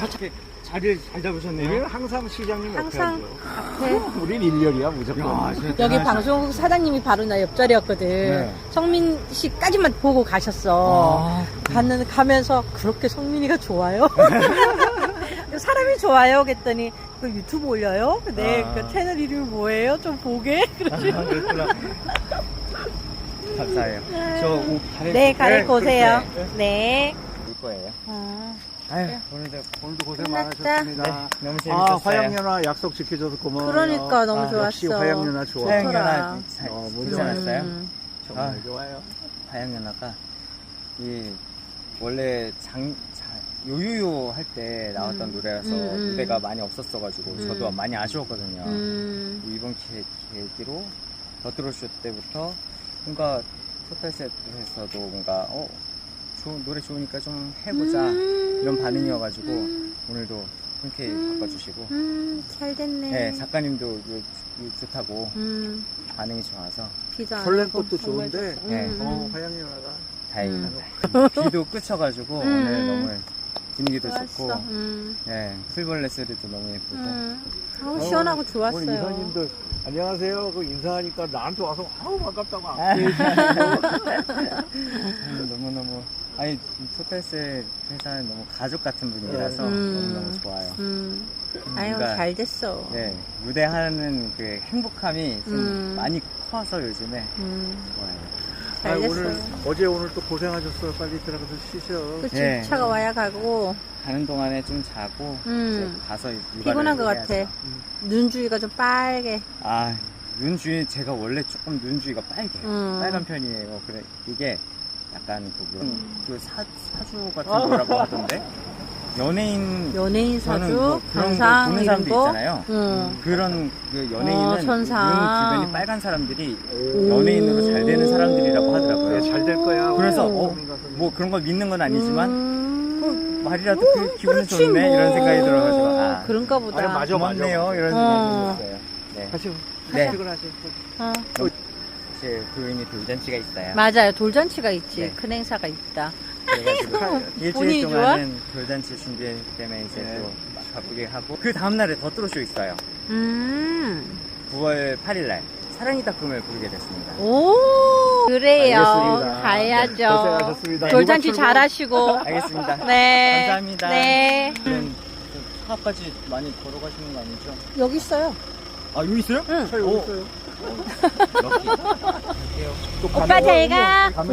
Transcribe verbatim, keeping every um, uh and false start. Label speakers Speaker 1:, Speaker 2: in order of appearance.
Speaker 1: 잘, 자리를 잘 잡으셨네요.
Speaker 2: 우리는 항상 시장님
Speaker 3: 항상
Speaker 2: 옆에
Speaker 3: 앞에.
Speaker 2: 앉아. 우린 일렬이야 무조건.
Speaker 1: 야, 진짜
Speaker 3: 여기
Speaker 1: 대단하시다.
Speaker 3: 방송국 사장님이 바로 나 옆자리였거든.
Speaker 1: 네.
Speaker 3: 성민 씨까지만 보고 가셨어.
Speaker 1: 아,
Speaker 3: 가는, 가면서 그렇게 성민이가 좋아요? 사람이 좋아요? 그랬더니 그 유튜브 올려요? 네,
Speaker 1: 아.
Speaker 3: 그 채널 이름이 뭐예요? 좀 보게?
Speaker 1: 아, 그렇구나. 감사해요. 저 옷 갈아입고
Speaker 3: 네, 갈아입고 오세요.
Speaker 1: 그렇게
Speaker 3: 네.
Speaker 1: 올 거예요.
Speaker 3: 어.
Speaker 1: 아유, 오늘도
Speaker 2: 오늘도 고생
Speaker 3: 끝났다.
Speaker 2: 많으셨습니다.
Speaker 1: 네, 너무
Speaker 2: 아,
Speaker 1: 재밌었어요.
Speaker 2: 화양연화 약속 지켜줘서 고마워요.
Speaker 3: 그러니까 너무
Speaker 1: 아,
Speaker 3: 좋았어.
Speaker 2: 역시 화양연화 좋아.
Speaker 3: 화양-
Speaker 1: 화양연화 잘
Speaker 2: 어, 뭔지
Speaker 1: 괜찮았어요?
Speaker 3: 음.
Speaker 2: 정말
Speaker 1: 아.
Speaker 2: 좋아요.
Speaker 1: 화양연화가 이 원래 장, 자, 요요요 할 때 나왔던
Speaker 3: 음.
Speaker 1: 노래라서
Speaker 3: 음, 음.
Speaker 1: 무대가 많이 없었어가지고
Speaker 3: 음.
Speaker 1: 저도 많이 아쉬웠거든요.
Speaker 3: 음.
Speaker 1: 이번 계, 계기로 더트로쇼 때부터 뭔가 토탈셋에서도 뭔가 어 좋은 노래 좋으니까 좀 해보자
Speaker 3: 음.
Speaker 1: 이런 반응이어가지고
Speaker 3: 음.
Speaker 1: 오늘도 흔쾌히
Speaker 3: 음.
Speaker 1: 바꿔주시고
Speaker 3: 음, 잘 됐네.
Speaker 1: 네, 작가님도 요- 요 좋다고
Speaker 3: 음,
Speaker 1: 반응이 좋아서
Speaker 3: 비도 안
Speaker 2: 설렘
Speaker 3: 오고
Speaker 2: 것도
Speaker 3: 정말
Speaker 2: 좋은데,
Speaker 3: 좋다.
Speaker 1: 네.
Speaker 3: 음,
Speaker 2: 어,
Speaker 3: 음.
Speaker 2: 화양연화가
Speaker 1: 다행입니다. 비도 그쳐가지고
Speaker 3: 음.
Speaker 1: 오늘 너무 분위기도
Speaker 3: 좋았어.
Speaker 1: 좋고
Speaker 3: 음,
Speaker 1: 네, 풀벌레 소리도 너무 예쁘고
Speaker 3: 음. 아우, 시원하고
Speaker 2: 오늘
Speaker 3: 좋았어요.
Speaker 2: 이사님들 안녕하세요. 그 인사하니까 나한테 와서 아우 반갑다고.
Speaker 1: 아. 음, 너무너무 아니 토탈셋 회사는 너무 가족 같은 분위기라서
Speaker 3: 음.
Speaker 1: 너무너무 좋아요.
Speaker 3: 음, 아유,
Speaker 1: 뭔가,
Speaker 3: 잘 됐어.
Speaker 1: 네, 무대하는 그 행복함이 좀
Speaker 3: 음.
Speaker 1: 많이 커서 요즘에
Speaker 3: 음,
Speaker 1: 좋아요.
Speaker 3: 잘
Speaker 2: 아,
Speaker 3: 됐어.
Speaker 2: 오늘 어제 오늘 또 고생하셨어. 빨리 들어가서 쉬셔.
Speaker 3: 그치,
Speaker 1: 네.
Speaker 3: 차가 와야 가고,
Speaker 1: 가는 동안에 좀 자고
Speaker 3: 음.
Speaker 1: 이제 가서 육아를
Speaker 3: 피곤한 것
Speaker 1: 해야죠.
Speaker 3: 같아. 눈 주위가 좀 빨개.
Speaker 1: 아, 눈 주위 제가 원래 조금 눈 주위가 빨개요.
Speaker 3: 음.
Speaker 1: 빨간 편이에요. 그래 이게 약간 그, 뭐, 그 사, 사주 같은
Speaker 3: 어.
Speaker 1: 거라고 하던데 연예인
Speaker 3: 연예인
Speaker 1: 저는
Speaker 3: 사주,
Speaker 1: 뭐 그런 거
Speaker 3: 관상,
Speaker 1: 보는
Speaker 3: 이런
Speaker 1: 사람도
Speaker 3: 거.
Speaker 1: 있잖아요.
Speaker 3: 응.
Speaker 1: 그런 그 연예인은
Speaker 3: 어,
Speaker 1: 눈
Speaker 3: 천상.
Speaker 1: 주변이 빨간 사람들이
Speaker 2: 오.
Speaker 1: 연예인으로 잘 되는 사람들이라고 하더라고요.
Speaker 2: 네, 잘 될 거야.
Speaker 1: 그래서
Speaker 3: 오.
Speaker 1: 어, 뭐 그런 걸 믿는 건 아니지만
Speaker 3: 음.
Speaker 1: 말이라도 그 기분이
Speaker 3: 그렇지,
Speaker 1: 좋네
Speaker 3: 뭐.
Speaker 1: 이런 생각이 들어가지고 아
Speaker 3: 그런가 보다.
Speaker 2: 아니, 맞아.
Speaker 1: 고맙네요 이런
Speaker 3: 어.
Speaker 1: 생각이 들었어요. 네,
Speaker 2: 가시고.
Speaker 1: 네.
Speaker 2: 퇴근하세요.
Speaker 3: 어.
Speaker 1: 제 부인이 돌잔치가 있어요.
Speaker 3: 맞아요. 돌잔치가 있지.
Speaker 1: 네.
Speaker 3: 큰 행사가 있다.
Speaker 1: 그래가지고
Speaker 3: 본인이
Speaker 1: 일주일
Speaker 3: 좋아?
Speaker 1: 동안은 돌잔치 준비 때문에 이제
Speaker 2: 네.
Speaker 1: 또 바쁘게 하고 그 다음날에 더트로쇼 있어요.
Speaker 3: 음.
Speaker 1: 구월 팔일날 사랑이 닦음을 부르게 됐습니다.
Speaker 3: 오. 그래요.
Speaker 2: 알겠습니다.
Speaker 3: 가야죠.
Speaker 2: 네, 고생하셨습니다.
Speaker 3: 돌잔치
Speaker 2: 이번 출근-
Speaker 3: 잘하시고.
Speaker 1: 알겠습니다.
Speaker 3: 네.
Speaker 1: 감사합니다.
Speaker 3: 네.
Speaker 1: 그럼 차까지 많이 걸어가시는 거 아니죠?
Speaker 3: 여기 있어요.
Speaker 1: 아 여기 있어요?
Speaker 3: 응.
Speaker 2: 차 여기 있어요.
Speaker 1: 럭키. 갈게요.
Speaker 2: 또
Speaker 3: 오빠
Speaker 2: 가면-
Speaker 3: 잘 가.
Speaker 2: 가면